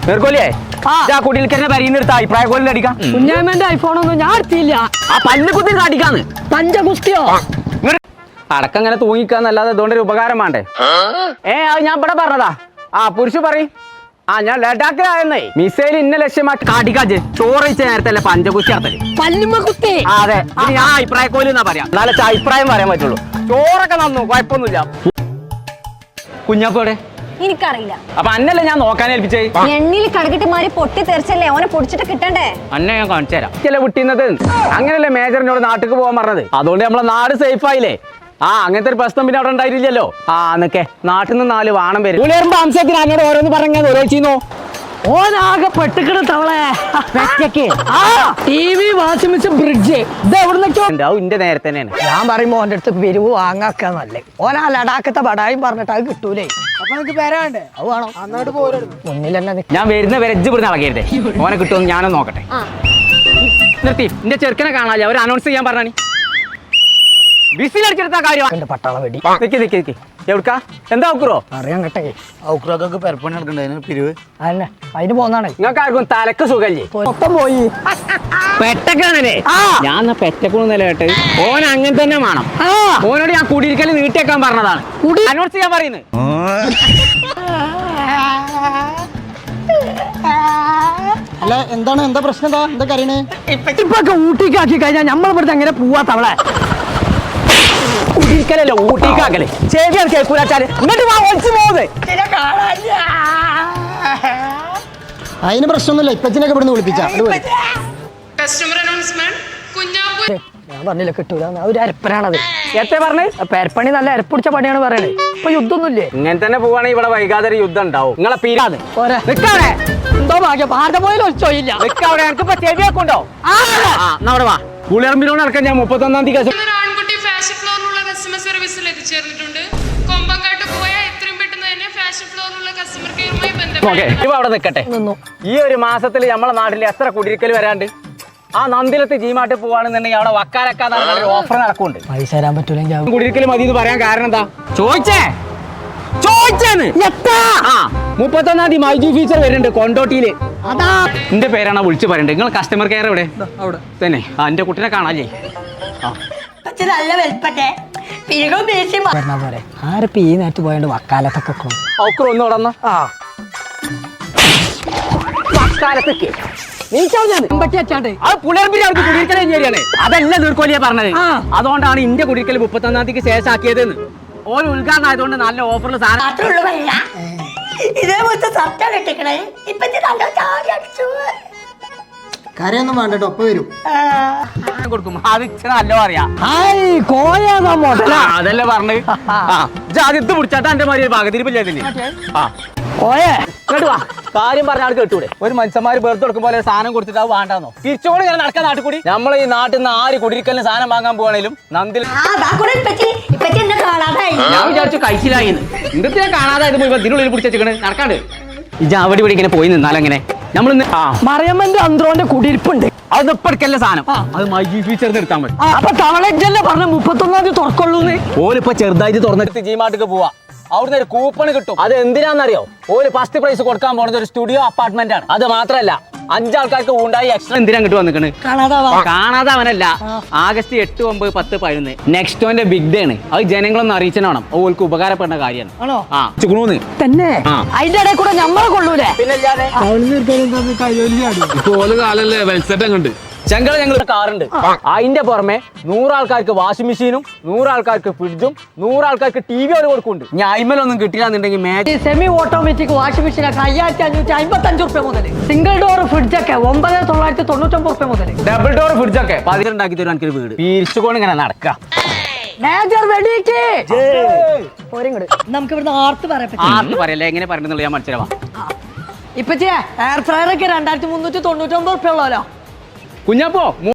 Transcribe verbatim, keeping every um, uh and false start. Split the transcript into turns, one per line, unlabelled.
നേർക്കോലിയേ ആ കുടിയിൽക്കന്നെ പരിന്നെടുത്ത അഭിപ്രായ കോലിൽ അടിക്കാം.
കുഞ്ഞാമ്മന്റെ ഐഫോണൊന്നും ഞാൻ എടുത്തില്ല.
ആ പല്ല് കുത്തി അടിക്കാന്ന്
പഞ്ചകുസ്തിയോ
അടക്കം ഇങ്ങനെ തൂങ്ങിക്കാന്നല്ലാതെ അതുകൊണ്ട് ഒരു ഉപകാരം വേണ്ടേ? ഏ അത് ഞാൻ ഇവിടെ പറഞ്ഞതാ. ആ പുരുഷ പറയും. ആ ഞാൻ ലഡാക്കിലായെന്നേ മിസൈൽ ഇന്ന ലക്ഷ്യമാക്കി കാട്ടിക്കാച്ച് ചോറ് വെച്ച നേരത്തെ അല്ലേ പഞ്ചകുസ്തി നടത്തല്.
പല്ലുമ്മ കുത്തി.
അതെ ഞാൻ അഭിപ്രായ കോലി എന്നാ പറയാം. എന്നാലേ അഭിപ്രായം പറയാൻ പറ്റുള്ളൂ. ചോറൊക്കെ നന്നു കുഴപ്പമൊന്നുമില്ല. കുഞ്ഞാക്കോടെ
എനിക്കറിയില്ല.
അപ്പൊ അന്നല്ലേ ഞാൻ നോക്കാൻ ഏൽപ്പിച്ചേ?
എണ്ണിൽ കടകിട്ട് മാറി പൊട്ടി തെറിച്ചല്ലേ ഓനെ പൊടിച്ചിട്ട് കിട്ടണ്ടേ?
അന്നെ ഞാൻ കാണിച്ചു തരാം. ചില വിട്ടിന്നത് അങ്ങനല്ലേ മേജറിനോട് നാട്ടിക്ക് പോകാൻ പറഞ്ഞത്. അതുകൊണ്ട് നമ്മളെ നാട് സേഫ് ആയില്ലേ? ആ അങ്ങനത്തെ ഒരു പ്രശ്നം പിന്നെ അവിടെ ഉണ്ടായിട്ടില്ലല്ലോ. ആ എന്നൊക്കെ നാട്ടിൽ നിന്ന് നാല് വാണം പേര് പുളിയറുമ്പോ അംശത്തിന് എന്നോട് ഓരോന്ന് പറഞ്ഞാൽ ഓരോ ചെയ്യുന്നു.
ഓനാകെ പെട്ടിക്കണ തവളെ T V washing machine fridge ഇത് എവിടുന്നൊക്കെയോ
ഉണ്ടാവും. ഇന്റെ നേരെ തന്നെയാണ്
ഞാൻ പറയുമ്പോ ഓന്റെ അടുത്ത് പിരിവ് വാങ്ങാക്ക നല്ലേ. ഓനാ ലഡാക്കത്തെ ബടായും പറഞ്ഞിട്ട് അത് കിട്ടൂലേ. അപ്പൊ നിനക്ക് വരാണ്ടേ? അത് വേണം. അന്നോട്ട് പോരും മുന്നിൽ തന്നെ
ഞാൻ വരുന്ന വെരജ് ഇവിടുന്ന് ഇളകരുതേ. ഓനെ കിട്ടുമെന്ന് ഞാനൊന്ന് നോക്കട്ടെ. നിർത്തി എന്റെ ചെറുക്കനെ കാണാല്ലേ അവർ അനൗൺസ് ചെയ്യാൻ പറഞ്ഞാണി ബിസിലടിച്ചെടുത്ത കാര്യം
പട്ടാള വെടി.
നിക്ക് നിക്ക് നിക്ക് എവിടുക്കാ എന്താ ഔക്കുറോ
അറിയാൻ കേട്ടെ
ഔക്കുറൊക്കെ പെരപ്പണി നടക്കണ്ടേ പിരിവ്
അതന്നെ അതിന് പോന്നാണ്.
നിങ്ങൾക്ക് ആർക്കും തലക്ക് സുഖല്ലേ?
മൊത്തം പോയി
പെറ്റക്കാണല്ലേ? ഞാൻ പെറ്റക്കൊന്നും നിലകെട്ട് ഓൻ അങ്ങനെ തന്നെ വേണം. ഓനോട് ഞാൻ കുടിയിരിക്കല് നീട്ടിയേക്കാൻ പറഞ്ഞതാണ്. അനൗൺസ് ചെയ്യാൻ പറയുന്നത്.
അല്ല എന്താണ് എന്താ പ്രശ്നം? എന്താ എന്താ കരയണേ?
ഇപ്പൊക്കെ ഊട്ടിക്കാക്കി കഴിഞ്ഞാൽ നമ്മളിവിടുത്തെ എങ്ങനെ പോവാ തവളെ?
കുടിയിരിക്കലല്ലോ ഊട്ടിക്കാക്കല്. ശരിയാണ് കേൾക്കൂലാച്ചാല് എന്നിട്ട് ഒളിച്ചു പോകുന്നത്.
അതിന് പ്രശ്നമൊന്നുമില്ല. ഇപ്പച്ചിനൊക്കെ ഇവിടുന്ന് വിളിപ്പിച്ചാ
ഞാൻ പറഞ്ഞില്ല കിട്ടൂല. ഒരു അരപ്പനാണത്.
എത്ര പറഞ്ഞ്
പെരപ്പണി നല്ല അരപ്പിടിച്ച പണിയാണ് പറയണേ. ഇപ്പൊ യുദ്ധമൊന്നുമില്ലേ?
ഇങ്ങനെ തന്നെ പോവാണെങ്കിൽ ഇവിടെ വൈകാതെ ഒരു യുദ്ധം ഉണ്ടാവും. നിങ്ങളെ പീരാത്
നിക്കാടെ എന്തോ ഭാഗ്യം ഭാരത പോയാലും ഒച്ചോയില്ല.
നിക്കവിടെ എനിക്കിപ്പോ ചെവിയൊക്കെണ്ടോ? അവിടെ വാ പുളിയറമ്പിനോട് നടക്കാൻ ഞാൻ മുപ്പത്തൊന്നാം തീയതി
ആൺകുട്ടി ഫാഷൻ ഫ്ലോറിനുള്ള കസ്റ്റമർ സർവീസിൽ എത്തിച്ചേർന്നിട്ടുണ്ട്. കൊമ്പങ്കാട്ട് പോയാൽ എത്രയും പെട്ടെന്ന് തന്നെ ഫാഷൻ ഫ്ലോറിനുള്ള കസ്റ്റമർ കെയറുമായി ബന്ധപ്പെട്ട്
ഇപ്പൊ അവിടെ നിൽക്കട്ടെ. ഈ ഒരു മാസത്തിൽ നമ്മളെ നാട്ടിൽ എത്ര കുടിയിരിക്കൽ വരാണ്ട്? ആ നന്ദിലത്ത് ജീമാട്ട് പോവാണെന്നുണ്ടെങ്കിൽ അവിടെ വക്കാലൊക്കെ ഓഫർ നടക്കുന്നുണ്ട്.
പൈസ തരാൻ പറ്റൂലെങ്കിൽ
കുടിയിരിക്കൽ മതി എന്ന് പറയാൻ കാരണം എന്താ? ചോദിച്ചേ ചോദിച്ചേന്ന് ആ മുപ്പത്തൊന്നാം തീയതി മൈജി ഫീച്ചർ വരുന്നുണ്ട് കൊണ്ടോട്ടിയില്.
അതാ
എന്റെ പേരാണ് വിളിച്ചു പറയണ്ടത്. നിങ്ങൾ കസ്റ്റമർ കെയർ എവിടെ? അവിടെ തന്നെ. ആ എന്റെ കുട്ടിനെ കാണാല്ലേ?
നല്ല വെൽപ്പട്ടെ പോരെ. ആരപ്പ ഈ നേരത്ത് പോയോണ്ട് വക്കാലത്തൊക്കെ
ഔക്കർ ഒന്ന് തുടർന്ന
ആ
വക്കാലത്തൊക്കെ
അത്
പുലർപ്പിന് അവർക്ക് കുടിയിരിക്കൽ കഴിഞ്ഞാണ്. അതല്ല നീർക്കോലിയാ പറഞ്ഞത്. അതുകൊണ്ടാണ് ഇന്ത്യ കുടിയിരിക്കൽ മുപ്പത്തൊന്നാം തീയതിക്ക് ശേഷം ആക്കിയതെന്ന്. ഓരോ ഉദ്ഘാടനം ആയതുകൊണ്ട് നല്ല ഓഫറിൽ സാധനം
കരയൊന്നും വേണ്ട കേട്ടോ. ഒപ്പം വരും
കൊടുക്കും. അത് നല്ല പറയാ
കോയ
അതല്ലേ പറഞ്ഞത്. ആദ്യത്ത് പിടിച്ചാട്ടാ എന്റെ മാതിരി പകതിരിപ്പില്ലേ ആ
കോയേ
കേട്ടു വാ. കാര്യം പറഞ്ഞ ആൾ കേട്ടൂടെ? ഒരു മനുഷ്യന്മാര് വെറുതെ കൊടുക്കും പോലെ സാധനം കൊടുത്തിട്ട് അത് വേണ്ടാന്നോ? തിരിച്ചോട് ഇങ്ങനെ നടക്കാൻ നാട്ടിൽ കൂടി നമ്മളെ ഈ നാട്ടിൽ നിന്ന് ആര് കുടിയിരിക്കലിന് സാധനം വാങ്ങാൻ പോവാണേലും നന്ദിൽ ഞാൻ വിചാരിച്ചു കഴിച്ചില്ലായിന്ന്. എന്തൊക്കെ കാണാതായത് പോയി ഇതിനുള്ളിൽ പിടിച്ചേക്കണ് നടക്കാണ്ട്. ഇജ അവിടെ ഇവിടെ ഇങ്ങനെ പോയി നിന്നാലെങ്ങനെ നമ്മളിന്ന് ആ
മറിയമ്മന്റെ അന്ത്രോന്റെ കുടിയിരിപ്പുണ്ട്.
അത് ഇപ്പഴക്കല്ല സാധനം. അത് മൈജി ഫീച്ചർ എടുത്താൽ മതി.
അപ്പൊ തവളജല്ലേ പറഞ്ഞ മുപ്പത്തൊന്നാം തീയതി തുറക്കുള്ളൂന്ന്.
ഓലിപ്പോ ചെറുതായിട്ട് തുറന്നിട്ട് ജീമാട്ടിക്ക് പോവാ. അവിടുന്ന് ഒരു കൂപ്പൺ കിട്ടും. അത് എന്തിനാന്നറിയോ? ഒരു ഫസ്റ്റ് പ്രൈസ് കൊടുക്കാൻ പോകുന്നത് ഒരു സ്റ്റുഡിയോ അപ്പാർട്ട്മെന്റ് ആണ്. അത് മാത്രല്ല അഞ്ചാൾക്കാർക്ക് ഉണ്ടായി എക്സ്ട്രാ എന്തിനാ കിട്ടും വന്നിക്കണ് കാണാതെ അവനല്ല. ആഗസ്റ്റ് എട്ട് ഒമ്പത് പത്ത് പതിനൊന്ന് നെക്സ്റ്റോന്റെ ബിഗ് ഡേ ആണ്. അത് ജനങ്ങളൊന്ന് അറിയിച്ചണം. ഓൾക്ക് ഉപകാരപ്പെടുന്ന കാര്യമാണ്. ആ ചുണൂന്ന്
തന്നെ അതിന്റെ ഇടയിൽ കൂടെ ഞമ്മളെ കൊള്ളൂലേ?
ചെങ്കള ഞങ്ങൾ കാറുണ്ട്. അതിന്റെ പുറമെ നൂറാൾക്കാർക്ക് വാഷിംഗ് മെഷീനും നൂറാൾക്കാർക്ക് ഫ്രിഡ്ജും നൂറാൾക്കാർക്ക് ടി വി അവർ കൊടുക്കുന്നുണ്ട്. ഞാൻ അയിമലൊന്നും കിട്ടില്ലാന്നുണ്ടെങ്കിൽ
സെമി ഓട്ടോമാറ്റിക് വാഷിംഗ് മെഷീൻ ഒക്കെ അയ്യായിരത്തി അഞ്ഞൂറ്റി അമ്പത്തി അഞ്ച് റുപ്യ മുതൽ. സിംഗിൾ ഡോർ ഫ്രിഡ്ജ് ഒക്കെ ഒമ്പത് തൊള്ളായിരത്തി തൊണ്ണൂറ്റൊമ്പത് റുപ്യ മുതൽ.
ഡബിൾ ഡോർ ഫ്രിഡ്ജ് ഒക്കെ പതിനുണ്ടാക്കി തരും. എനിക്കൊരു വീട് പിരിച്ചുകൊണ്ട് ഇങ്ങനെ നടക്കാം.
നമുക്ക് ഇവിടുന്ന് ആർത്ത് പറയാം.
ആർത്ത് പറയല്ലേ എങ്ങനെ പറയണെന്നുള്ള ഞാൻ മനസ്സിലാവാം.
ഇപ്പൊ എയർ ഫ്രയർ ഒക്കെ രണ്ടായിരത്തി മുന്നൂറ്റി തൊണ്ണൂറ്റി ഒമ്പത് റുപ്യ ഉള്ളല്ലോ.
കുഞ്ഞപ്പോ